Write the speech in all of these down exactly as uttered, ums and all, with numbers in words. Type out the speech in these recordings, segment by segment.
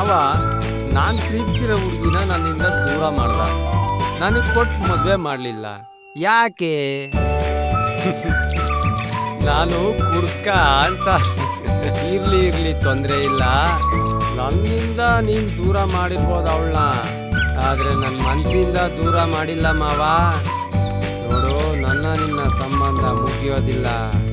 ಮಾವ ನಾನು ಪ್ರೀತಿಸಿರೋ ಹುಡುಗಿನ ನನ್ನಿಂದ ದೂರ ಮಾಡ್ದ. ನನಗೆ ಕೊಟ್ಟು ಮದುವೆ ಮಾಡಲಿಲ್ಲ. ಯಾಕೆ? ನಾನು ಕುಡ್ಕ ಅಂತ. ಇರ್ಲಿ ಇರ್ಲಿ ತೊಂದರೆ ಇಲ್ಲ. ನನ್ನಿಂದ ನೀನು ದೂರ ಮಾಡಿರ್ಬೋದು ಅವಳನ್ನ, ಆದರೆ ನನ್ನ ಮನಸ್ಸಿಂದ ದೂರ ಮಾಡಿಲ್ಲ ಮಾವ. ನೋಡು, ನನ್ನ ನಿನ್ನ ಸಂಬಂಧ ಮುಗಿಯೋದಿಲ್ಲ.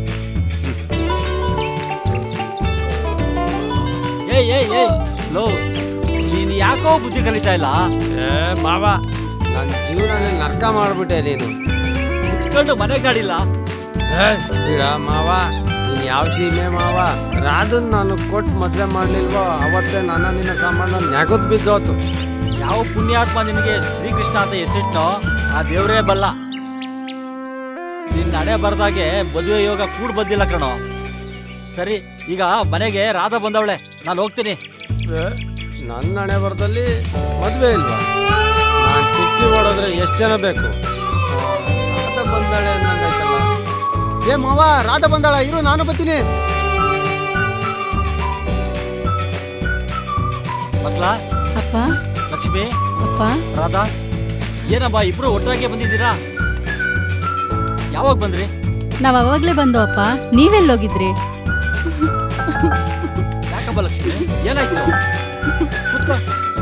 ಏಯ್ ಏಯ್ ಏಯ್ ಲೋ, ನೀನು ಯಾಕೋ ಬುದ್ಧಿ ಕಲಿತಾ ಇಲ್ಲ? ಏ ಮಾವ, ನನ್ನ ಜೀವನನೇ ನರ್ಕ ಮಾಡಿಬಿಟ್ಟೆ ನೀನು. ಕುತ್ಕೊಂಡು ಮನೆಗೆ ಗಾಡಿಲ್ಲ. ಏ ಬಿಡ ಮಾವ, ನೀನು ಯಾವ ಸೀಮೆ ಮಾವ? ರಾಧನ್ ನಾನು ಕೊಟ್ಟು ಮದುವೆ ಮಾಡಲಿಲ್ವೋ ಅವತ್ತೇ ನನ್ನ ನಿನ್ನ ಸಂಬಂಧ ನೆಗದ್ ಬಿದ್ದೋತು. ಯಾವ ಪುಣ್ಯಾತ್ಮ ನಿನಗೆ ಶ್ರೀಕೃಷ್ಣ ಅಂತ ಹೆಸರಿಟ್ಟೋ ಆ ದೇವರೇ ಬಲ್ಲ. ನಿನ್ನ ಹಣೆ ಬರ್ದಾಗೆ ಮದುವೆ ಯೋಗ ಕೂಡ್ ಬಂದಿಲ್ಲ ಕಣೋ. ಸರಿ, ಈಗ ಮನೆಗೆ ರಾಧಾ ಬಂದವಳೆ, ನಾನು ಹೋಗ್ತೀನಿ. ನನ್ನ ಹಣೆ ಬರದಲ್ಲಿ ಮದುವೆ ಇಲ್ವಾ? ನಾನು ಸುಕ್ಕಿ ಓಡೋದ್ರೆ ಎಷ್ಟು ಜನ ಬೇಕು? ರಾಧಾ ಬಂದಾಳೆ ಅನ್ನಂಗಾಯ್ತಲ್ಲ. ಏ ಮಾವ, ರಾಧಾ ಬಂದಾಳ, ಇರು ನಾನು ಬರ್ತೀನಿ. ಮಕ್ಳ, ಅಪ್ಪ, ಲಕ್ಷ್ಮಿ, ಅಪ್ಪ, ರಾಧಾ, ಏನಮ್ಮ ಇಬ್ರು ಒಟ್ಟಾಗೆ ಬಂದಿದ್ದೀರಾ? ಯಾವಾಗ ಬಂದ್ರಿ? ನಾವ್ ಅವಾಗ್ಲೇ ಬಂದು ಅಪ್ಪ. ನೀವೆಲ್ಲೋಗಿದ್ರಿ? ಯಾಕಮ್ಮ ಲಕ್ಷ್ಮಿ, ಏನಾಯ್ತು? ಕೂತ್ಕೋ.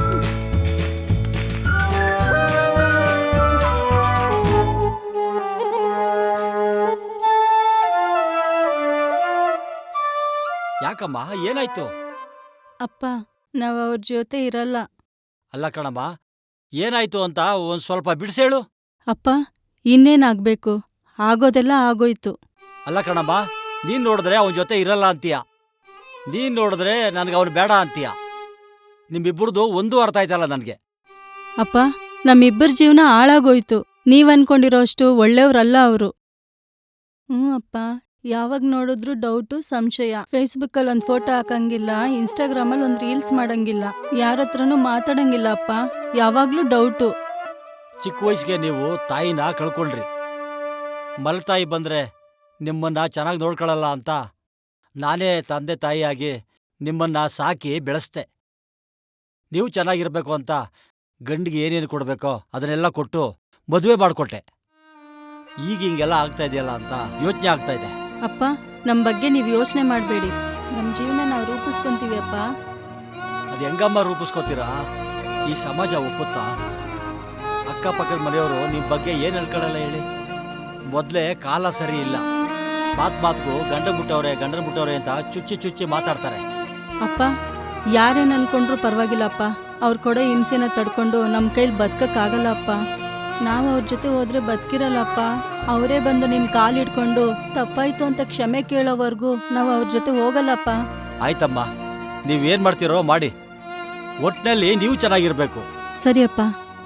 ಯಾಕಮ್ಮ, ಏನಾಯ್ತು? ಅಪ್ಪ, ನಾವ್ ಅವ್ರ ಜೊತೆ ಇರಲ್ಲ. ಅಲ್ಲ ಕಣಮ್ಮ, ಏನಾಯ್ತು ಅಂತ ಒಂದ್ ಸ್ವಲ್ಪ ಬಿಡಿಸೇಳು. ಅಪ್ಪ, ಇನ್ನೇನಾಗ್ಬೇಕು? ಆಗೋದೆಲ್ಲ ಆಗೋಯ್ತು. ಅಲ್ಲ ಕಣಮ್ಮ, ನೀನ್ ನೋಡಿದ್ರೆ ಅವನ ಜೊತೆ ಇರಲ್ಲ ಅಂತೀಯ, ನೀನ್ ನೋಡಿದ್ರೆ ನನ್ಗೆ ಅವ್ನು ಬೇಡ ಅಂತೀಯ. ನಿಮ್ಮಿಬ್ಬರದು ಒಂದು ಅರ್ಥ ಆಯ್ತಲ್ಲ ನನ್ಗೆ. ಅಪ್ಪ, ನಮ್ಮಿಬ್ಬರ ಜೀವನ ಹಾಳಾಗೋಯ್ತು. ನೀವ್ ಅನ್ಕೊಂಡಿರೋ ಅಷ್ಟು ಒಳ್ಳೆಯವ್ರಲ್ಲ ಅವರು. ಹ್ಞೂ ಅಪ್ಪ, ಯಾವಾಗ ನೋಡಿದ್ರು ಡೌಟು, ಸಂಶಯ. ಫೇಸ್ಬುಕ್ಕಲ್ಲಿ ಒಂದು ಫೋಟೋ ಹಾಕಂಗಿಲ್ಲ, ಇನ್ಸ್ಟಾಗ್ರಾಮಲ್ಲಿ ಒಂದು ರೀಲ್ಸ್ ಮಾಡಂಗಿಲ್ಲ, ಯಾರ ಹತ್ರನೂ ಮಾತಾಡಂಗಿಲ್ಲ ಅಪ್ಪ. ಯಾವಾಗ್ಲೂ ಡೌಟು. ಚಿಕ್ಕ ವಯಸ್ಸಿಗೆ ನೀವು ತಾಯಿನ ಕಳ್ಕೊಳ್ರಿ. ಮಲತಾಯಿ ಬಂದ್ರೆ ನಿಮ್ಮನ್ನ ಚೆನ್ನಾಗಿ ನೋಡ್ಕೊಳ್ಳಲ್ಲ ಅಂತ ನಾನೇ ತಂದೆ ತಾಯಿಯಾಗಿ ನಿಮ್ಮನ್ನ ಸಾಕಿ ಬೆಳೆಸ್ದೆ. ನೀವು ಚೆನ್ನಾಗಿರ್ಬೇಕು ಅಂತ ಗಂಡಿಗೆ ಏನೇನು ಕೊಡಬೇಕೋ ಅದನ್ನೆಲ್ಲ ಕೊಟ್ಟು ಮದುವೆ ಮಾಡಿಕೊಟ್ಟೆ. ಈಗ ಹಿಂಗೆಲ್ಲ ಆಗ್ತಾ ಇದೆಯಲ್ಲ ಅಂತ ಯೋಚನೆ ಆಗ್ತಾ ಇದೆ. ಅಪ್ಪ, ನಮ್ಮ ಬಗ್ಗೆ ನೀವು ಯೋಚನೆ ಮಾಡಬೇಡಿ. ನಮ್ಮ ಜೀವನ ನಾವು ರೂಪಿಸ್ಕೊಂತೀವಿ ಅಪ್ಪ. ಅದು ಹೆಂಗಮ್ಮ ರೂಪಿಸ್ಕೋತೀರಾ? ಈ ಸಮಾಜ ಒಪ್ಪುತ್ತಾ? ಅಕ್ಕಪಕ್ಕದ ಮನೆಯವರು ನಿಮ್ಮ ಬಗ್ಗೆ ಏನು ಹೇಳ್ಕೊಳ್ಳಲ್ಲ ಹೇಳಿ? ಮೊದಲೇ ಕಾಲ ಸರಿ ಇಲ್ಲ. ಮಾತ್ ಮಾತ್ಗೂ ಗಂಡ ಮುಟ್ಟವ್ರೆ ಗಂಡನ ಮುಟ್ಟವ್ರೆ ಅಂತ ಚುಚ್ಚಿ ಚುಚ್ಚಿ ಮಾತಾಡ್ತಾರೆ. ಅಪ್ಪ, ಯಾರೇನು ಅನ್ಕೊಂಡ್ರೂ ಪರವಾಗಿಲ್ಲಪ್ಪ. ಅವ್ರು ಕೊಡೋ ಹಿಂಸೆನ ತಡ್ಕೊಂಡು ನಮ್ಮ ಕೈಲಿ ಬದುಕಕ್ಕಾಗಲ್ಲ ಅಪ್ಪ. ನಾವು ಅವ್ರ ಜೊತೆ ಹೋದ್ರೆ ಬದುಕಿರಲ್ಲಪ್ಪ. ಅವರೇ ಬಂದು ನಿಮ್ಮ ಕಾಲು ಹಿಡ್ಕೊಂಡು ತಪ್ಪಾಯ್ತು ಅಂತ ಕ್ಷಮೆ ಕೇಳೋವರೆಗೂ ನಾವು ಅವ್ರ ಜೊತೆ ಹೋಗಲ್ಲಪ್ಪ. ಆಯ್ತಮ್ಮ, ನೀವೇನ್ ಮಾಡ್ತೀರೋ ಮಾಡಿ. ಒಟ್ನಲ್ಲಿ ನೀವು ಚೆನ್ನಾಗಿರ್ಬೇಕು. ಸರಿಯಪ್ಪ.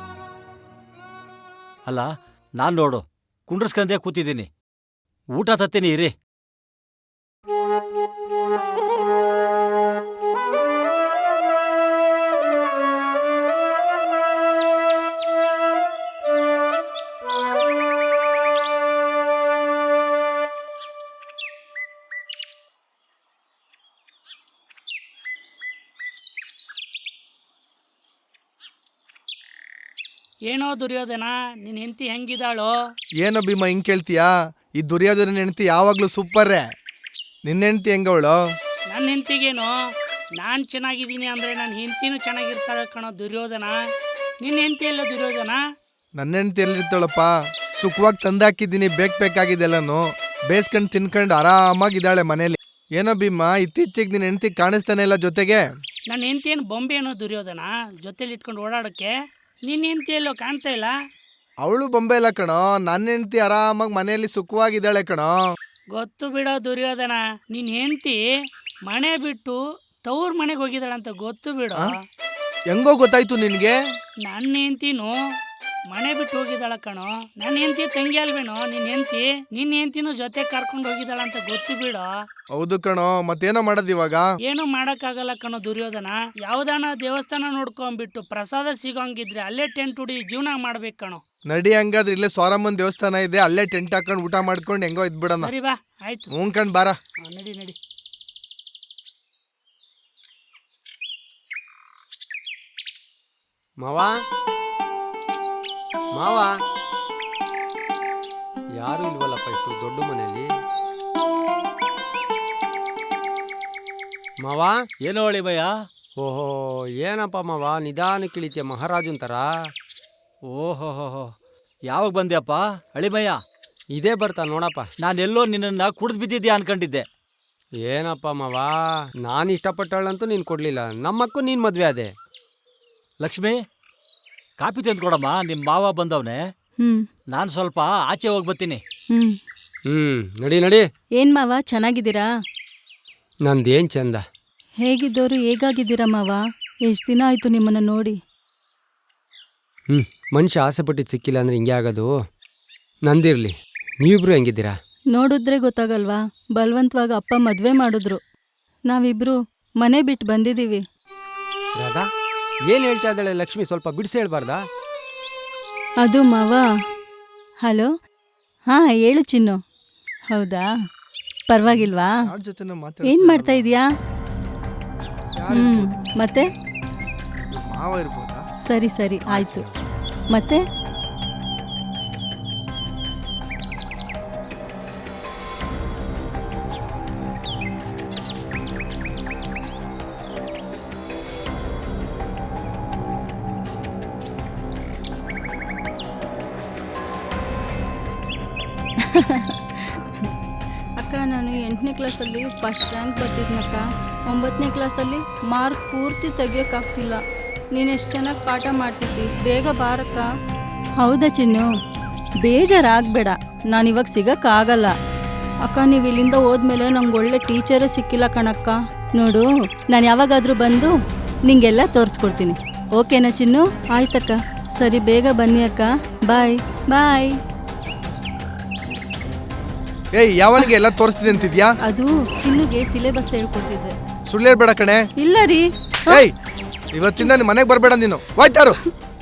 ಅಲ್ಲ, ನಾನ್ ನೋಡು ಕುಂಡ್ರಸ್ಕಂದೇ ಕೂತಿದ್ದೀನಿ. ಊಟ ತತ್ತೀನಿ ಇರಿ. ಏನೋ ದುರ್ಯೋಧನ, ನಿನ್ನ ಹೆಂಡತಿ ಹೆಂಗಿದಾಳೋ? ಏನೋ ಭೀಮ ಹಿಂಗ್ ಕೇಳ್ತೀಯಾ? ಈ ದುರ್ಯೋಧನ ಹೆಂಡತಿ ಯಾವಾಗ್ಲೂ ಸೂಪರ್ರೇ. ನಿನ್ನ ಹೆಂಡತಿ ಹೆಂಗವಳು? ನನ್ನ ಹೆಂಡತಿಗೇನೋ, ನಾನು ಚೆನ್ನಾಗಿದ್ದೀನಿ ಅಂದರೆ ನನ್ನ ಹೆಂಡತಿನೂ ಚೆನ್ನಾಗಿರ್ತಾಳೆ ಕಣೋ ದುರ್ಯೋಧನ. ನಿನ್ನ ಹೆಂಡತಿ ಎಲ್ಲ ದುರ್ಯೋಧನ? ನನ್ನ ಹೆಂಡತಿ ಎಲ್ಲಿರ್ತಾಳಪ್ಪ? ಸುಖವಾಗಿ ತಂದಾಕಿದ್ದೀನಿ, ಬೇಕ್ ಬೇಕಾಗಿದ್ದೆಲ್ಲನು ಬೇಯಿಸ್ಕೊಂಡು ತಿನ್ಕೊಂಡು ಆರಾಮಾಗಿದ್ದಾಳೆ ಮನೇಲಿ. ಏನೋ ಭೀಮ, ಇತ್ತೀಚೆಗೆ ನಿನ್ನ ಹೆಂಡತಿ ಕಾಣಿಸ್ತಾನೆ ಇಲ್ಲ ಜೊತೆಗೆ? ನನ್ನ ಹೆಂಡತಿ ಏನು ಬೊಂಬೆ ಏನೋ ದುರ್ಯೋಧನ, ಜೊತೆಲಿ ಇಟ್ಕೊಂಡು ಓಡಾಡೋಕ್ಕೆ? ನಿನ್ನ ಹೆಂಡತಿ ಎಲ್ಲೋ ಕಾಣ್ತಾ ಇಲ್ಲ. ಅವಳು ಬೊಂಬೆ ಇಲ್ಲ ಕಣೋ, ನನ್ನ ಹೆಂಡತಿ ಆರಾಮಾಗಿ ಮನೆಯಲ್ಲಿ ಸುಖವಾಗಿದ್ದಾಳೆ ಕಣೋ. ಗೊತ್ತು ಬಿಡೋ ದುರ್ಯೋಧನ, ನಿನ್ನ ಹೆಂಡತಿ ಮನೆ ಬಿಟ್ಟು ತವ್ರ ಮನೆಗೆ ಹೋಗಿದ್ದಾಳಂತ ಗೊತ್ತು ಬಿಡೋ. ಹೆಂಗೋ ಗೊತ್ತಾಯ್ತು ನಿನ್ಗೆ? ನನ್ನ ಹೆಂಡತಿನೂ ಮನೆ ಬಿಟ್ಟು ಹೋಗಿದ್ದಾಳ ಕಣೋ. ನನ್ನ ಹೆಂಡತಿ ತಂಗಿ ಅಲ್ವೇನೋ ನಿನ್ನ ಹೆಂಡತಿ? ನಿನ್ನ ಹೆಂಡತಿನೂ ಜೊತೆ ಕರ್ಕೊಂಡು ಹೋಗಿದ್ದಾಳಂತ ಗೊತ್ತು ಬಿಡೋ. ಹೌದು ಕಣೋ, ಮತ್ತೇನೋ ಮಾಡೋದು ಇವಾಗ? ಏನು ಮಾಡಕ್ಕಾಗಲ್ಲ ಕಣೋ ದುರ್ಯೋಧನ. ಯಾವ್ದಾನ ದೇವಸ್ಥಾನ ನೋಡ್ಕೊಂಡ್ಬಿಟ್ಟು ಪ್ರಸಾದ ಸಿಗೋಂಗಿದ್ರೆ ಅಲ್ಲೇ ಟೆಂಟ್ ಹುಡಿ ಜೀವನ ಮಾಡ್ಬೇಕು ಕಣೋ. ನಡಿ, ಹಂಗಾದ್ರೆ ಇಲ್ಲೇ ಸೋರಮ್ಮನ್ ದೇವಸ್ಥಾನ ಇದೆ, ಅಲ್ಲೇ ಟೆಂಟ್ ಹಾಕೊಂಡು ಊಟ ಮಾಡ್ಕೊಂಡು ಹೆಂಗೋ ಇದ್ಬಿಡೋಣ. ಸರಿ ಬಾ, ಆಯ್ತು. ಹ್ಞೂ ಕಣ್ ಬಾರ. ನಡಿ ನಡಿ. ಮಾವ ಮಾವ ಯಾರು ಇಲ್ವಲ್ಲಪ್ಪ ಇಷ್ಟು ದೊಡ್ಡ ಮನೆಯಲ್ಲಿ. ಮಾವ ಏನೋ ಹೇಳಿ ಭಯ್ಯ. ಓಹೋ ಏನಪ್ಪ ಮಾವ ನಿಧಾನಕ್ಕೆ ಇಳಿತೀಯ ಮಹಾರಾಜನ್ ಥರ. ಓಹೋ ಹೋ ಯಾವಾಗ ಬಂದ್ಯಪ್ಪ ಅಳಿಮಯ್ಯ? ಇದೇ ಬರ್ತಾ ನೋಡಪ್ಪ. ನಾನೆಲ್ಲೋ ನಿನ್ನನ್ನು ಕುಡಿದು ಬಿದ್ದಿದ್ಯಾ ಅನ್ಕೊಂಡಿದ್ದೆ. ಏನಪ್ಪ ಮಾವ ನಾನು ಇಷ್ಟಪಟ್ಟಳಂತೂ ನೀನು ಕೊಡಲಿಲ್ಲ, ನಮ್ಮಕ್ಕೂ ನೀನು ಮದುವೆ ಅದೇ. ಲಕ್ಷ್ಮಿ, ಕಾಪಿ ತಂದ್ಕೊಡಮ್ಮ, ನಿಮ್ಮ ಮಾವ ಬಂದವನೆ. ಹ್ಮ್ ನಾನು ಸ್ವಲ್ಪ ಆಚೆ ಹೋಗಿ ಬರ್ತೀನಿ. ಹ್ಮ್ ಹ್ಞೂ ನಡಿ ನಡಿ. ಏನ್ ಮಾವ ಚೆನ್ನಾಗಿದ್ದೀರಾ? ನಂದೇನು ಚಂದ. ಹೇಗಿದ್ದೋರು ಹೇಗಾಗಿದ್ದೀರಾ ಮಾವ? ಎಷ್ಟು ದಿನ ಆಯ್ತು ನಿಮ್ಮನ್ನ ನೋಡಿ. ಹ್ಞೂ ಮನುಷ್ಯ ಆಸೆ ಪಟ್ಟಿದ್ದು ಸಿಕ್ಕಿಲ್ಲ ಅಂದರೆ ಹಿಂಗೆ ಆಗೋದು. ನಂದಿರಲಿ, ನೀವಿಬ್ರು ಹೆಂಗಿದ್ದೀರಾ? ನೋಡಿದ್ರೆ ಗೊತ್ತಾಗಲ್ವಾ, ಬಲವಂತವಾಗಿ ಅಪ್ಪ ಮದ್ವೆ ಮಾಡಿದ್ರು. ನಾವಿಬ್ರು ಮನೆ ಬಿಟ್ಟು ಬಂದಿದ್ದೀವಿ. ರಾಧಾ ಏನು ಹೇಳ್ತಾ ಇದ್ದಾಳೆ ಲಕ್ಷ್ಮಿ, ಸ್ವಲ್ಪ ಬಿಡಿಸಿ ಹೇಳ್ಬಾರ್ದಾ? ಅದು ಮಾವ. ಹಲೋ, ಹಾ ಹೇಳು ಚಿನ್ನು. ಹೌದಾ, ಪರವಾಗಿಲ್ವಾ? ಯಾರ ಜೊತೆ ಏನ್ ಮಾಡ್ತಾ ಇದೀಯಾ? ಹ್ಮ್ ಮತ್ತೆ ಮಾವ ಇರ್ಬೋದಾ? ಸರಿ ಸರಿ ಆಯ್ತು. ಮತ್ತೆ ಅಕ್ಕ, ನಾನು ಎಂಟನೇ ಕ್ಲಾಸಲ್ಲಿ ಫಸ್ಟ್ ರ್ಯಾಂಕ್ ಬರ್ತಿದ್ನಕ್ಕ. ಒಂಬತ್ತನೇ ಕ್ಲಾಸಲ್ಲಿ ಮಾರ್ಕ್ ಪೂರ್ತಿ ತೆಗಿಯೋಕ್ಕಾಗ್ತಿಲ್ಲ. ನೀನು ಎಷ್ಟು ಚೆನ್ನಾಗಿ ಪಾಠ ಮಾಡ್ತಿದ್ದಿ. ಬೇಗ ಬಾರಕ್ಕ. ಹೌದಾ ಚಿನ್ನು, ಬೇಜಾರಾಗಬೇಡ, ನಾನಿವಾಗ ಸಿಗೋಕ್ಕಾಗಲ್ಲ. ಅಕ್ಕ, ನೀವು ಇಲ್ಲಿಂದ ಹೋದ್ಮೇಲೆ ನಂಗೆ ಒಳ್ಳೆ ಟೀಚರೇ ಸಿಕ್ಕಿಲ್ಲ ಕಣಕ್ಕ. ನೋಡು, ನಾನು ಯಾವಾಗಾದರೂ ಬಂದು ನಿಂಗೆಲ್ಲ ತೋರಿಸ್ಕೊಡ್ತೀನಿ. ಓಕೆನಾ ಚಿನ್ನು? ಆಯ್ತಕ್ಕ, ಸರಿ ಬೇಗ ಬನ್ನಿ ಅಕ್ಕ. ಬಾಯ್ ಬಾಯ್. ಏಯ್, ಯಾವನಿಗೆ ಎಲ್ಲ ತೋರಿಸ್ತಿದೆ ಅಂತಿದ್ಯಾ? ಅದು ಚಿನ್ನುಗೆ ಸಿಲೆಬಸ್ ಹೇಳ್ಕೊಡ್ತಿದ್ದೆ. ಸುಳ್ಳು ಹೇಳ್ಬೇಡ ಕಣೆ. ಇಲ್ಲ ರೀ. ಏಯ್, ಇವತ್ತಿಂದ ನಿಮ್ಮ ಮನೆಗೆ ಬರಬೇಡ ನೀನು. ಹೋಯ್ತಾರು.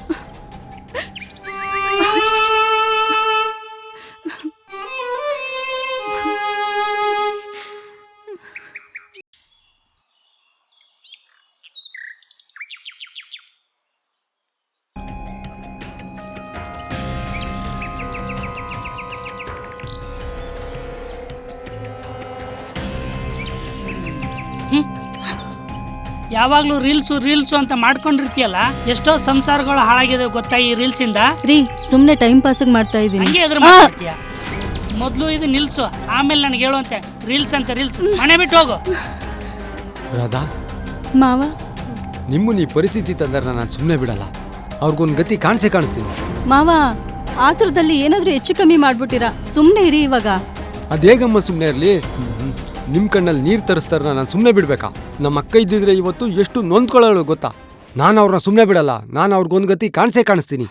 ಯಾವಾಗ್ಲೂ ರೀಲ್ಸು ರೀಲ್ಸು ಅಂತ ಮಾಡ್ಕೊಂಡಿರ್ತೀಯಲ್ಲ, ಎಷ್ಟೋ ಸಂಸಾರಗಳು ಹಾಳಾಗಿದೆ ಗೊತ್ತಾ ಈ ರೀಲ್ಸ್ ಇಂದ. ರೀ, ಸುಮ್ನೆ ಟೈಮ್ ಪಾಸ್ ಮಾಡ್ತಾ ಇದೀನಿ. ಹಂಗೆ ಎದುರು ಮಾಡ್ತೀಯ. ಮೊದ್ಲು ಇದು ನಿಲ್ಸು, ಆಮೇಲೆ ನನಗೆ ಹೇಳುವಂತೆ ರೀಲ್ಸ್ ಅಂತ ರೀಲ್ಸ್. ಮನೆ ಬಿಟ್ಟು ಹೋಗು. ರಾಧಾ ಮಾವ, ನಿಮ್ಮ ಈ ಪರಿಸ್ಥಿತಿ ತಂದ್ರೆ ನಾನು ಸುಮ್ಮನೆ ಬಿಡಲ್ಲ. ಅವ್ರಿಗೊಂದು ಗತಿ ಕಾಣಿಸೇ ಕಾಣಿಸ್ತೀನಿ. ಮಾವ, ಆತುರದಲ್ಲಿ ಏನಾದ್ರೂ ಹೆಚ್ಚು ಕಮ್ಮಿ ಮಾಡ್ಬಿಟ್ಟಿರಾ? ಸುಮ್ನೆ ಇರಿ ಇವಾಗ. ಅದೇಗಮ್ಮ ಸುಮ್ಮನೆ ಇರಲಿ. ನಿಮ್ಮ ಕಣ್ಣಲ್ಲಿ ನೀರು ತರಿಸ್ತಾರ, ನಾನು ಸುಮ್ಮನೆ ಬಿಡಬೇಕಾ? ನಮ್ಮ ಅಕ್ಕ ಇದ್ದಿದ್ರೆ ಇವತ್ತು ಎಷ್ಟು ನೊಂದ್ಕೊಳ್ಳೋಳು ಗೊತ್ತಾ? ನಾನು ಅವ್ರನ್ನ ಸುಮ್ಮನೆ ಬಿಡಲ್ಲ. ನಾನು ಅವ್ರಿಗೊಂದು ಗತಿ ಕಾಣಿಸೇ ಕಾಣಿಸ್ತೀನಿ.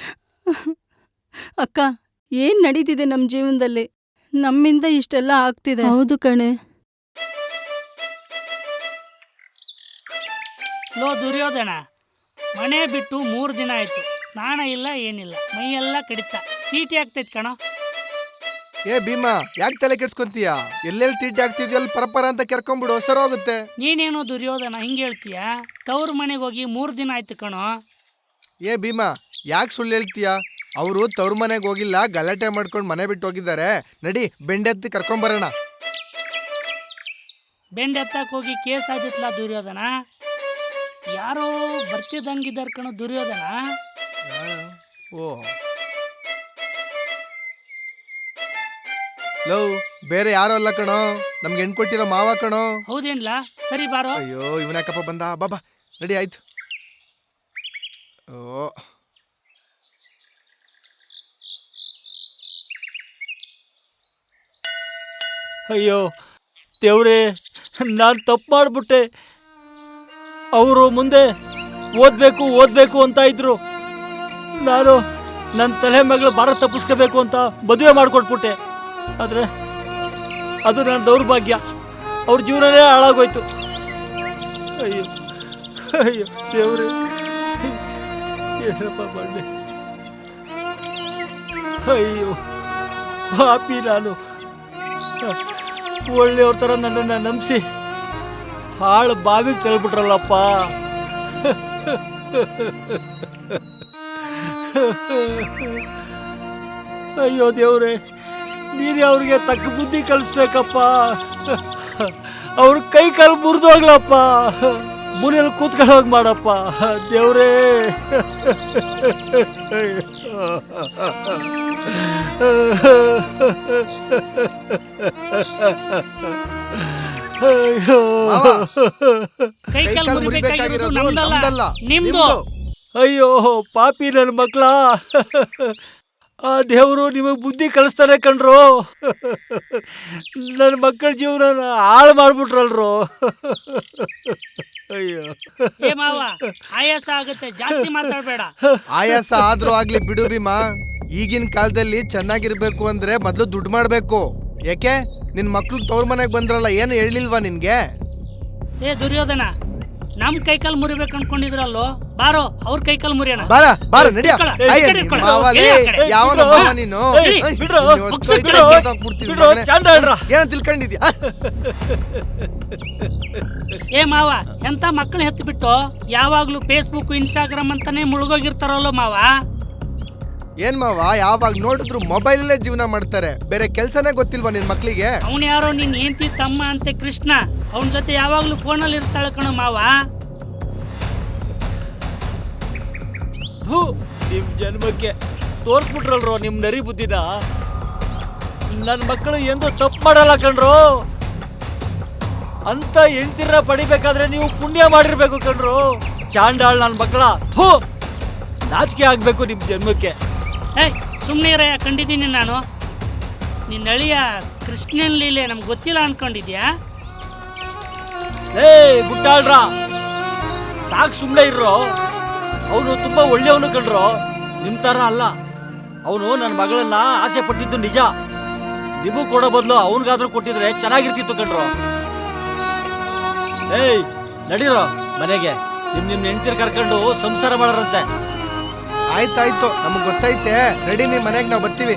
ಅಕ್ಕ, ಏನ್ ನಡೀತಿದೆ ನಮ್ಮ ಜೀವನದಲ್ಲಿ? ನಮ್ಮಿಂದ ಇಷ್ಟೆಲ್ಲ ಆಗ್ತಿದೆ. ಹೌದು ಕಣೆ. ಲೋ ದುರ್ಯೋಧನ, ಮನೆ ಬಿಟ್ಟು ಮೂರು ದಿನ ಆಯ್ತು, ಸ್ನಾನ ಇಲ್ಲ ಏನಿಲ್ಲ, ಮೈಯೆಲ್ಲ ಕಡಿತ, ತೀಟಿ ಆಗ್ತೈತ್ ಕಣೋ. ಏ ಭೀಮಾ, ಯಾಕೆ ತಲೆ ಕೆಡ್ಸ್ಕೊಂತೀಯ? ಎಲ್ಲೆಲ್ಲಿ ತೀಟಿ ಆಗ್ತಿದ್ಯಲ್ಲ ಪರಪರ ಅಂತ ಕೆರ್ಕೊಂಡ್ಬಿಡು, ಸರ್ ಹೋಗುತ್ತೆ. ನೀನೇನೋ ದುರ್ಯೋಧನ ಹಿಂಗೆ ಹೇಳ್ತೀಯ? ತವ್ರ ಮನೆಗೆ ಹೋಗಿ ಮೂರು ದಿನ ಆಯ್ತು ಕಣೋ. ಏ ಭೀಮಾ, ಯಾಕೆ ಸುಳ್ಳು ಹೇಳ್ತೀಯ? ಅವರು ತವ್ರ ಮನೆಗೆ ಹೋಗಿಲ್ಲ, ಗಲಾಟೆ ಮಾಡ್ಕೊಂಡು ಮನೆ ಬಿಟ್ಟು ಹೋಗಿದ್ದಾರೆ. ನಡಿ, ಬೆಂಡೆತ್ತಿ ಕರ್ಕೊಂಬರೋಣ. ಬೆಂಡ್ ಎತ್ತಕ್ಕೆ ಹೋಗಿ ಕೇಸ್ ಆದಿತ್ಲ ದುರ್ಯೋಧನ. ಯಾರೋ ಬರ್ತಿದ್ದಂಗಿದ್ದಾರೆ ಕಣೋ ದುರ್ಯೋಧನ. ಓ ಲವ್, ಬೇರೆ ಯಾರೋ ಅಲ್ಲ ಕಣೋ, ನಮ್ಗೆ ಹೆಣ್ ಕೊಟ್ಟಿರೋ ಮಾವ ಕಣೋ. ಹೌದೇನ್ಲ? ಸರಿ ಬಾರೋ. ಅಯ್ಯೋ, ಇವನ್ಯಾಕಪ್ಪ ಬಂದ? ಬಾಬಾ ನಡಿ, ಆಯ್ತು. ಓ ಅಯ್ಯೋ ದೇವ್ರೇ, ನಾನು ತಪ್ಪು ಮಾಡಿಬಿಟ್ಟೆ. ಅವರು ಮುಂದೆ ಓದಬೇಕು ಓದಬೇಕು ಅಂತ ಇದ್ರು. ನಾನು ನನ್ನ ತಲೆ ಮಗಳು ಭಾರ ತಪ್ಪಿಸ್ಕೋಬೇಕು ಅಂತ ಮದುವೆ ಮಾಡಿಕೊಟ್ಬಿಟ್ಟೆ. ಆದರೆ ಅದು ನನ್ನ ದೌರ್ಭಾಗ್ಯ. ಅವ್ರ ಜೀವನನೇ ಹಾಳಾಗೋಯ್ತು. ಅಯ್ಯೋ ಅಯ್ಯೋ ದೇವ್ರೇ, ಏನಪ್ಪ ಮಾಡಲಿ? ಅಯ್ಯೋ ಪಾಪಿ ನಾನು. ಒಳ್ಳೆಯವ್ರ ಥರ ನನ್ನನ್ನು ನಂಬಿಸಿ ಹಾಳು ಬಾವಿಗೆ ತಳ್ಬಿಟ್ರಲ್ಲಪ್ಪ. ಅಯ್ಯೋ ದೇವ್ರೆ, ನೀನೇ ಅವ್ರಿಗೆ ತಕ್ಕ ಬುದ್ಧಿ ಕಲಿಸ್ಬೇಕಪ್ಪ. ಅವ್ರ ಕೈ ಕಾಲು ಮುರಿದು ಹೋಗ್ಲಪ್ಪ, ಮುನಿಯಲ್ಲಿ ಕೂತ್ಕೊಂಡು ಹೋಗಿ ಮಾಡಪ್ಪ ದೇವ್ರೇ. ಅಯ್ಯೋ ಕೈ ಕಾಲು ಮುರಿಬೇಕಾಗಿರೋದು ನಮ್ದಲ್ಲ, ನಿಮ್ದು. ಅಯ್ಯೋ ಪಾಪಿ ನನ್ನ ಮಕ್ಳ, ಆ ದೇವರು ನಿಮಗೆ ಬುದ್ಧಿ ಕಲಿಸ್ತಾನೆ ಕಣ್ರು. ನನ್ನ ಮಕ್ಕಳ ಜೀವನ ಹಾಳು ಮಾಡ್ಬಿಟ್ರಲ್ರು. ಅಯ್ಯೋ ಏ ಮಾವ, ಆಯಾಸ ಆಗುತ್ತೆ, ಜಾಸ್ತಿ ಮಾತಾಡ್ಬೇಡ. ಆಯಾಸ ಆದ್ರೂ ಆಗ್ಲಿ ಬಿಡು ಭೀಮಾ. ಈಗಿನ ಕಾಲದಲ್ಲಿ ಚೆನ್ನಾಗಿರ್ಬೇಕು ಅಂದ್ರೆ ಮೊದ್ಲು ದುಡ್ಡು ಮಾಡ್ಬೇಕು. ಯಾಕೆ ನಿನ್ ಮಕ್ಳು ತವ್ರ ಮನೆಗ್ ಬಂದ್ರಲ್ಲ, ಏನು ಹೇಳಿಲ್ವಾ ನಿನ್ಗೆ? ಏ ದುರ್ಯೋಧನ, ನಮ್ ಕೈಕಾಲ್ ಮುರಿಬೇಕು ಅನ್ಕೊಂಡಿದ್ರಲ್ಲೋ, ಬಾರೋ ಅವ್ರ ಕೈಕಾಲ್ ಮುರಿಯೋಣ. ಬಾರ ಬಾರ ನಡಿಯ. ಇಟ್ಕೊಳ, ಅಯ್ಯ, ಈ ಕಡೆ ನಿನ್ ಇಟ್ಕೊಳ. ಮಾವಲೇ, ಇಳಿ ಆ ಕಡೆ. ಯಾವನ ಬಿಡ್ರೋ. ಮಾವ ನೀನು? ಇಳಿ, ಅಯ್ಯ, ಬಿಡ್ರೋ. ನೀನು ಬುಕ್ಸು ಹೊಸ್ತು ಬಿಡು. ಇಟ್ಕೊಂಡು ಕೂತ್ಬಿಡ್ತೀನಿ ಬಿಡ್ರೋ, ಮಗನೇ. ಚಾಂಡಾಳ್ರ. ಏನೋ ತಿಳ್ಕೊಂಡಿದ್ಯಾ? ಏ ಮಾವ, ಎಂತ ಮಕ್ಕಳು ಹೆತ್ತು ಬಿಟ್ಟು ಯಾವಾಗ್ಲೂ ಫೇಸ್ಬುಕ್ ಇನ್ಸ್ಟಾಗ್ರಾಮ್ ಅಂತಾನೆ ಮುಳುಗೋಗಿರ್ತಾರಲ್ಲೋ ಮಾವ. ಏನ್ ಮಾವ, ಯಾವಾಗ ನೋಡಿದ್ರು ಮೊಬೈಲಲ್ಲೇ ಜೀವನ ಮಾಡ್ತಾರೆ, ಬೇರೆ ಕೆಲ್ಸನೇ ಗೊತ್ತಿಲ್ವಾ ನಿನ್ ಮಕ್ಳಿಗೆ? ಅವನ್ ಯಾರೋ ನಿನ್ ಹೆಂಡತಿ ತಮ್ಮ ಅಂತೆ ಕೃಷ್ಣ, ಅವನ ಜೊತೆ ಯಾವಾಗ್ಲೂ ಫೋನಲ್ಲಿ ಇರ್ತಾಳೆ ಕಣೋ ಮಾವ. ಥು, ನಿಮ್ ಜನ್ಮಕ್ಕೆ ತೋರ್ಸ್ಬಿಟ್ರಲ್ರೋ ನಿಮ್ ನರಿ ಬುದ್ಧಿನ. ನನ್ನ ಮಕ್ಕಳು ಎಂದು ತಪ್ಪು ಮಾಡಲ್ಲ ಕಣ್ರು. ಅಂತ ಹೆಂಡ್ತಿರ ಪಡಿಬೇಕಾದ್ರೆ ನೀವು ಪುಣ್ಯ ಮಾಡಿರ್ಬೇಕು ಕಣ್ರು. ಚಾಂಡಾಳ್ ನನ್ನ ಮಕ್ಕಳ, ಥು, ನಾಚಿಕೆ ಆಗ್ಬೇಕು ನಿಮ್ ಜನ್ಮಕ್ಕೆ. ಏಯ್ ಸುಮ್ಮನೆ ಇರ, ಕಂಡಿದ್ದೀನಿ ನಾನು. ನಿನ್ನ ಅಳಿಯ ಕೃಷ್ಣನ್ ಲೀಲೆ ನಮ್ಗೆ ಗೊತ್ತಿಲ್ಲ ಅನ್ಕೊಂಡಿದ್ಯಾ? ಏ ಬುಟ್ಟಾಳ್ರ, ಸಾಕ್ ಸುಮ್ಮನೆ ಇರ್ರೋ. ಅವನು ತುಂಬಾ ಒಳ್ಳೆಯವನು ಕಣ್ರೋ, ನಿಮ್ ತರ ಅಲ್ಲ. ಅವನು ನನ್ನ ಮಗಳನ್ನ ಆಸೆ ಪಟ್ಟಿದ್ದು ನಿಜ. ನಿಮಗೂ ಕೊಡೋ ಬದಲು ಅವನಿಗಾದ್ರೂ ಕೊಟ್ಟಿದ್ರೆ ಚೆನ್ನಾಗಿರ್ತಿತ್ತು ಕಣ್ರೋ. ಏಯ್ ನಡೀರೋ ಮನೆಗೆ, ನಿಮ್ ನಿಮ್ ಹೆಂಡ್ತಿರ್ ಕರ್ಕೊಂಡು ಸಂಸಾರ ಮಾಡಾರಂತೆ. ಆಯ್ತಾಯ್ತು, ನಮಗ್ ಗೊತ್ತೈತೆ. ರೆಡಿ, ನಿಮ್ ಮನೆಗ್ ನಾವ್ ಬರ್ತೀವಿ.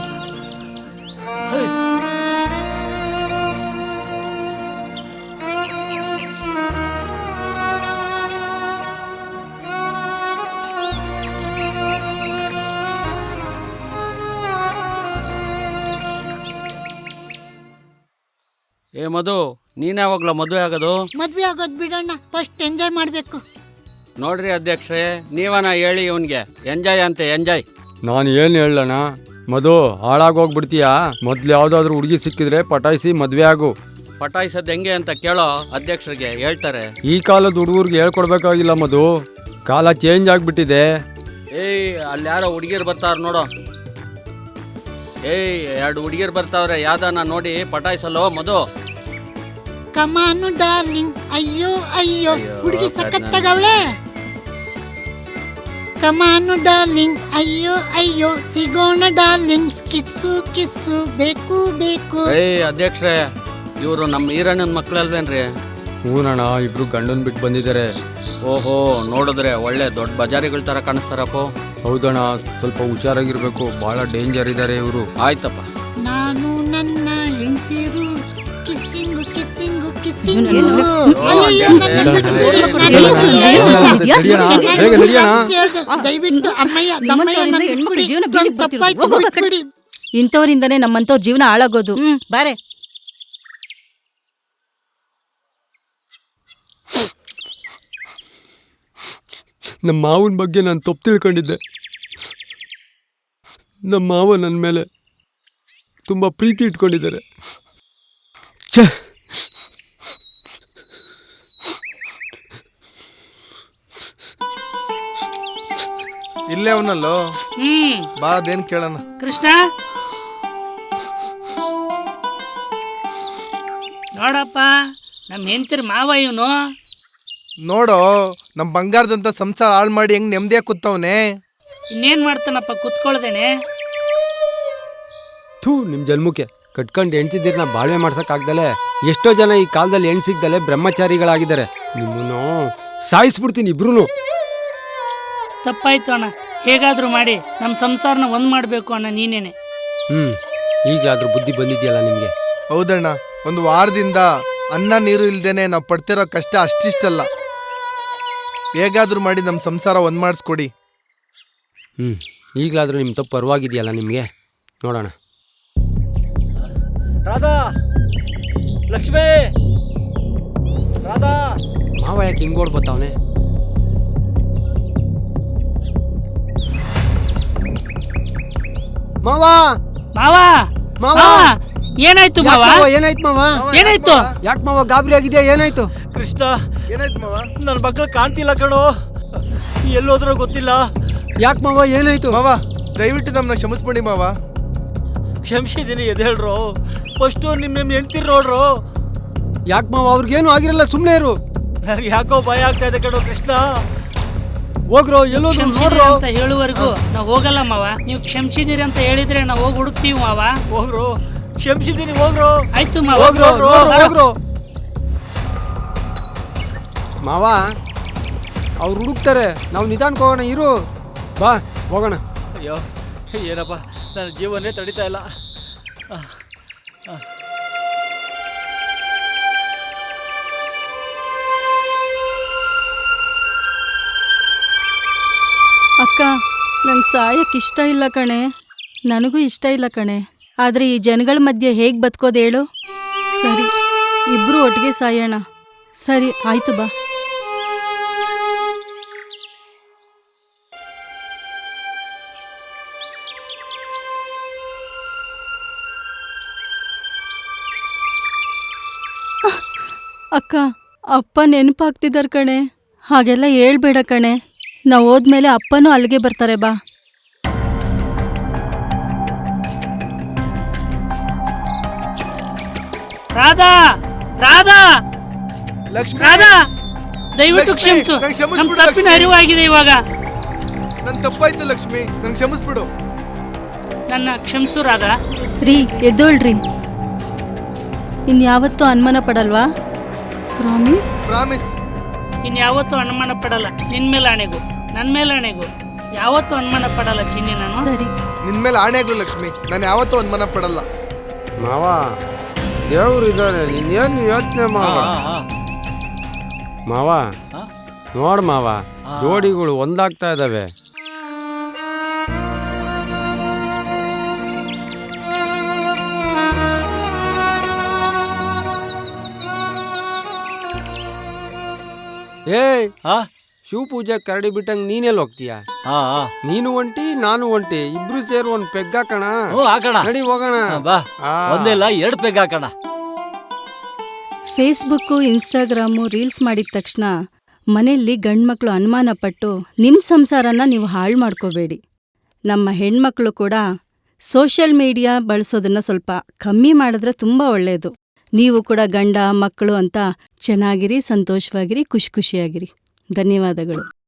ಏ ಮಧು, ನೀನ್ ಯಾವಾಗ್ಲ ಮದುವೆ ಆಗೋದು? ಮದ್ವೆ ಆಗೋದ್ ಬಿಡೋಣ, ಫಸ್ಟ್ ಎಂಜಾಯ್ ಮಾಡ್ಬೇಕು. ನೋಡ್ರಿ ಅಧ್ಯಕ್ಷರೇ, ನೀವನ ಹೇಳಿ ಇವನ್ಗೆ ಎಂಜಾಯ್ ಅಂತೆ ಎಂಜಾಯ್. ನಾನು ಏನು ಹೇಳೋಣ ಮಧು, ಹಾಳಾಗೋಗ್ಬಿಡ್ತೀಯಾ? ಮೊದ್ಲು ಯಾವುದಾದ್ರೂ ಹುಡುಗಿ ಸಿಕ್ಕಿದ್ರೆ ಪಟಾಯಿಸಿ ಮದುವೆ ಆಗು. ಪಟಾಯಿಸೋದು ಹೆಂಗೆ ಅಂತ ಕೇಳೋ ಅಧ್ಯಕ್ಷರಿಗೆ, ಹೇಳ್ತಾರೆ. ಈ ಕಾಲದ ಹುಡುಗರಿಗೆ ಹೇಳ್ಕೊಡ್ಬೇಕಾಗಿಲ್ಲ ಮಧು, ಕಾಲ ಚೇಂಜ್ ಆಗಿಬಿಟ್ಟಿದೆ. ಏಯ್ ಅಲ್ಲಿ ಯಾರೋ ಹುಡುಗಿರ್ ಬರ್ತಾರ ನೋಡೋ. ಏಯ್ ಎರಡು ಹುಡುಗಿರ್ ಬರ್ತಾವ್ರೆ, ಯಾವ್ದಾನ ನೋಡಿ ಪಟಾಯಿಸಲ್ಲೋ ಮಧು. ಕಮಾನು ಡಾರ್ಲಿಂಗ್, ಅಯ್ಯೋ ಅಯ್ಯೋ, ಅಯ್ಯೋ, ಹುಡುಗಿ ಕರ್ಣ. ಸಖತ್ತಾಗವಳೆ. ಕಮಾನು ಡಾರ್ಲಿಂಗ್, ಅಯ್ಯೋ ಅಯ್ಯೋ, ಸಿಗೋಣ ಡಾರ್ಲಿಂಗ್, ಕಿಸ್ಸು ಕಿಸ್ಸು ಬೇಕು ಬೇಕು. ಏಯ್ ಅಧ್ಯಕ್ಷರೇ, ಇವರು ನಮ್ಮ ಈರಣ್ಣನ ಮಕ್ಳಲ್ವೇನ್ರಿ? ಹೂನಣ್ಣ, ಇಬ್ರು ಗಂಡನ್ ಬಿಟ್ಟು ಬಂದಿದ್ದಾರೆ. ಓಹೋ, ನೋಡಿದ್ರೆ ಒಳ್ಳೆ ದೊಡ್ಡ ಬಜಾರಿಗಳ ತರ ಕಾಣಿಸ್ತಾರಪ್ಪ. ಹೌದಣ್ಣ, ಸ್ವಲ್ಪ ಹುಷಾರಾಗಿರ್ಬೇಕು, ಬಹಳ ಡೇಂಜರ್ ಇದ್ದಾರೆ ಇವರು. ಆಯ್ತಪ್ಪ. ನಾನು ನನ್ನ ಹೆಂಡ್ತಿರು ಕಿಸ್ಸಿಂಗು ಕಿಸ್ಸಿಂಗು ಕಿಸ್ಸಿಂಗು. ಏನು? ಅಯ್ಯಯ್ಯೋ, ನನ್ನ ಏನು? ಬಿಟ್ಟು ಏನು? ನನ್ನ ಏನು? ಬಿಟ್ಟು ಏನು? ನಡಿಯೋಣ, ಬೇಗ ನಡಿಯೋಣ. ದಯವಿಟ್ಟು ಅಮ್ಮಯ್ಯ ತಮ್ಮಯ್ಯ ನನ್ನ ಹೆಣ್ಮಕ್ಳು ಜೀವನ ಬಿಟ್ಬಿಡಿ. ಬೀದಿಗೆ ಬರ್ತಿರೋದು. ತಪ್ಪಾಯ್ತು, ಹೋಗು, ಹೋಗು, ಬಿಟ್ಬಿಡಿ. ಇಂಥವ್ರಿಂದನೇ ನಮ್ಮಂತವ್ರ ಜೀವನ ಹಾಳಾಗೋದು. ಹ್ಮ್ ಬಾರೆ. ನಮ್ಮ ಮಾವನ ಬಗ್ಗೆ ನಾನು ತಪ್ಪು ತಿಳ್ಕೊಂಡಿದ್ದೆ. ನಮ್ಮ ಮಾವ ನನ್ನ ಮೇಲೆ ತುಂಬ ಪ್ರೀತಿ ಇಟ್ಕೊಂಡಿದ್ದಾರೆ. ಛೇ, ಇಲ್ಲೇ ಅವನಲ್ಲೋ, ಹ್ಮ್ ಬಾ, ಅದೇನ್ ಕೇಳೋಣ. ಕೃಷ್ಣ, ನೋಡಪ್ಪ, ನಮ್ಮ ಹೆಂಡ್ತಿರ್ ಮಾವ ಇವನು. ನೋಡೋ, ನಮ್ ಬಂಗಾರದಂತ ಸಂಸಾರ ಹಾಳು ಮಾಡಿ ಹೆಂಗ್ ನೆಮ್ಮದಿಯಾಗಿ ಕೂತವನೆ. ಇನ್ನೇನ್ ಮಾಡ್ತಾನಪ್ಪ ಕುತ್ಕೊಳ್ದೇನೆ. ಥೂ, ನಿಮ್ಮ ಜನ್ಮಕ್ಕೆ ಕಟ್ಕೊಂಡು ಹೆಣ್ತಿದ್ದೀರಿ, ನಾ ಬಾಳ್ವೆ ಮಾಡ್ಸೋಕ್ಕಾಗ್ದಲೆ ಎಷ್ಟೋ ಜನ ಈ ಕಾಲದಲ್ಲಿ ಹೆಣ್ಣು ಸಿಗ್ದಲೆ ಬ್ರಹ್ಮಚಾರಿಗಳಾಗಿದ್ದಾರೆ. ನಿಮ್ಮನ್ನು ಸಾಯಿಸ್ಬಿಡ್ತೀನಿ ಇಬ್ರು. ತಪ್ಪಾಯ್ತು ಅಣ್ಣ, ಹೇಗಾದ್ರೂ ಮಾಡಿ ನಮ್ಮ ಸಂಸಾರನ ಒಂದ್ ಮಾಡ್ಬೇಕು ಅಣ್ಣ, ನೀನೇನೆ. ಹ್ಞೂ, ಈಗಲಾದ್ರೂ ಬುದ್ಧಿ ಬಂದಿದೆಯಲ್ಲ ನಿಮಗೆ. ಹೌದಣ್ಣ, ಒಂದು ವಾರದಿಂದ ಅನ್ನ ನೀರು ಇಲ್ದೇನೆ ನಾವು ಪಡ್ತಿರೋ ಕಷ್ಟ ಅಷ್ಟಿಷ್ಟಲ್ಲ. ಹೇಗಾದ್ರೂ ಮಾಡಿ ನಮ್ಮ ಸಂಸಾರ ಒಂದ್ ಮಾಡಿಸ್ಕೊಡಿ. ಹ್ಞೂ ಈಗಲಾದರೂ ನಿಮ್ಮ ತಪ್ಪು ಪರವಾಗಿದೆಯಲ್ಲ ನಿಮಗೆ, ನೋಡೋಣ. ರಾಧಾ, ಲಕ್ಷ್ಮೇ, ರಾಧಾ. ಮಾವ ಯಾಕೆ ಹಿಂಗೆ ಓಡ್ಬತ್ತವನೆ? ಮಾವ ಮಾವ ಮಾವ ಮಾವ ಏನಾಯ್ತು ಮಾವ? ಮಾವ ಏನಾಯ್ತು ಮಾವ? ಏನಾಯ್ತು? ಯಾಕೆ ಮಾವ ಗಾಬರಿ ಆಗಿದೆಯಾ? ಏನಾಯ್ತು? ಕೃಷ್ಣ, ಏನಾಯ್ತು ಮಾವ? ನನ್ನ ಮಕ್ಕಳು ಕಾಣ್ತಿಲ್ಲ ಕಣೋ, ಎಲ್ಲೋದ್ರೋ ಗೊತ್ತಿಲ್ಲ. ಯಾಕೆ ಮಾವ ಏನಾಯ್ತು? ಮಾವ ದಯವಿಟ್ಟು ನಮ್ಮನ್ನ ಕ್ಷಮಿಸ್ಬಿಡಿ ಮಾವ. ಕ್ಷಮಿಸಿದ್ದೀನಿ ಎದ್ದೇಳ್ರೋ. ಫಸ್ಟು ನಿಮ್ಮ ನಿಮ್ಮ ಹೆಂಡ್ತಿರ್ ನೋಡ್ರೋ. ಯಾಕೆ ಮಾವ? ಅವ್ರಿಗೇನು ಆಗಿರಲ್ಲ, ಸುಮ್ಮನೆ ಇರು. ನನಗೆ ಯಾಕೋ ಭಯ ಆಗ್ತಾ ಇದೆ ಕಣೋ ಕೃಷ್ಣ. ಹೋಗ್ರೋ, ಎಲ್ಲೋದ್ರು ಕ್ಷಮಿಸಿದಿರಿ ನೋಡ್ರೋ. ಅಂತ ಹೇಳುವವರೆಗೂ ನಾವು ಹೋಗಲ್ಲ ಮಾವ. ನೀವು ಕ್ಷಮಿಸಿದಿರಿ ಅಂತ ಹೇಳಿದ್ರೆ ನಾವು ಹೋಗಿ ಹುಡುಕ್ತೀವಿ ಮಾವ. ಹೋಗ್ರೋ, ಕ್ಷಮಿಸಿದ್ದೀನಿ, ಹೋಗ್ರೋ. ಆಯ್ತು ಮಾವ. ಹೋಗ್ರೋ ಹೋಗ್ರೋ, ನೋಡ್ರೋ, ಹೋಗ್ರೋ. ಹೋಗ್ರೋ. ಮಾವ ಅವ್ರು ಹುಡುಕ್ತಾರೆ, ನಾವು ನಿಧಾನಕ್ಕೆ ಹೋಗೋಣ, ಇರು. ಬಾ ಹೋಗೋಣ. ಅಯ್ಯೋ ಏನಪ್ಪ, ನನ್ನ ಜೀವನೇ ತಡೀತಾ ಇಲ್ಲ. ಅಕ್ಕ, ನಂಗೆ ಸಾಯಕ್ಕೆ ಇಷ್ಟ ಇಲ್ಲ ಕಣೆ. ನನಗೂ ಇಷ್ಟ ಇಲ್ಲ ಕಣೆ. ಆದರೆ ಈ ಜನಗಳ ಮಧ್ಯೆ ಹೇಗೆ ಬದುಕೋದು ಹೇಳು? ಸರಿ, ಇಬ್ರು ಒಟ್ಟಿಗೆ ಸಾಯೋಣ. ಸರಿ ಆಯ್ತು, ಬಾ. ಅಕ್ಕ, ಅಪ್ಪ ನೆನಪಾಗ್ತಿದ್ದಾರೆ ಕಣೆ. ಹಾಗೆಲ್ಲ ಹೇಳ್ಬೇಡ ಕಣೆ. ನಾವು ಹೋದ್ಮೇಲೆ ಅಪ್ಪನೂ ಅಲ್ಲಿಗೆ ಬರ್ತಾರೆ, ಬಾ. ರಾಧಾ, ರಾಧಾ, ಲಕ್ಷ್ಮಿ, ರಾಧಾ, ದಯವಿಟ್ಟು ಲಕ್ಷ್ಮಿ, ಕ್ಷಮಿಸು. ನಂಗ್ ಕ್ಷಮಿಸ್ಬಿಡು ನಮ್ಮ ತಪ್ಪಿನ ಲಕ್ಷ್ಮಿ. ಅರಿವಾಗಿದೆ ಇವಾಗ. ನನ್ ತಪ್ಪಾಯ್ತು ಲಕ್ಷ್ಮಿ, ನಂಗೆ ಕ್ಷಮಿಸ್ಬಿಡು. ನನ್ನ ಕ್ಷಮಿಸು ರಾಧಾ. ರೀ, ಎದ್ದೋಳ್ರಿ. ಇನ್ಯಾವತ್ತೂ ಅನುಮಾನ ಪಡಲ್ವಾ? ಪ್ರಾಮಿಸ್? ಪ್ರಾಮಿಸ್. ಇನ್ಯಾವತ್ತೂ ಅನುಮಾನ ಪಡಲ್ಲ. ನಿನ್ ಮೇಲೆ ಆಣೆಗೂ, ನನ್ನ ಮೇಲೆ ಆಣೆಗೂ ಯಾವತ್ತೂ ಅನುಮಾನ ಪಡಲ್ಲ ಚಿನ್ನಿ ನಾನು. ಸರಿ. ನಿನ್ ಮೇಲೆ ಆಣೆ ಆಗ್ಲು ಲಕ್ಷ್ಮಿ, ನಾನು ಯಾವತ್ತೂ ಅನುಮಾನ ಪಡಲ್ಲ. ಮಾವ ದೇವ್ರು ಇದ್ದಾರೆ, ನೀನೇನು ಯೋಚನೆ ಮಾವ. ಮಾವ ನೋಡ್ ಮಾವ, ಜೋಡಿಗಳು ಒಂದಾಗ್ತಾ ಇದಾವೆ. ಏಯ್, ಹಾ ಶಿವ ಪೂಜೆ ಕರಡಿ ಬಿಟ್ಟಂಗ್ ನೀನೆಲ್ಲಿ ಹೋಗ್ತೀಯ? ಹಾ ನೀನು ಒಂಟಿ, ನಾನು ಒಂಟಿ, ಇಬ್ರು ಸೇರಿ ಒಂದ್ ಪೆಗ್ ಹಾಕಣ. ಹ್ಞೂ ಹಾಕೋಣ. ನಡಿ ಹೋಗೋಣ. ಬಾ, ಆ. ಒಂದಿಲ್ಲ ಎರಡು ಪೆಗ್ ಹಾಕೋಣ. ಫೇಸ್ಬುಕ್ಕು, ಇನ್ಸ್ಟಾಗ್ರಾಮು, ರೀಲ್ಸ್ ಮಾಡಿದ ತಕ್ಷಣ ಮನೆಯಲ್ಲಿ ಗಂಡ್ಮಕ್ಳು ಅನುಮಾನ ಪಟ್ಟು ನಿಮ್ಮ ಸಂಸಾರನ ನೀವು ಹಾಳು ಮಾಡ್ಕೋಬೇಡಿ. ನಮ್ಮ ಹೆಣ್ಮಕ್ಳು ಕೂಡ ಸೋಷಿಯಲ್ ಮೀಡಿಯಾ ಬಳಸೋದನ್ನ ಸ್ವಲ್ಪ ಕಮ್ಮಿ ಮಾಡಿದ್ರೆ ತುಂಬ ಒಳ್ಳೆಯದು. ನೀವು ಕೂಡ ಗಂಡ ಮಕ್ಕಳು ಅಂತ ಚೆನ್ನಾಗಿರಿ, ಸಂತೋಷವಾಗಿರಿ, ಖುಷಿ ಖುಷಿಯಾಗಿರಿ. ಧನ್ಯವಾದಗಳು.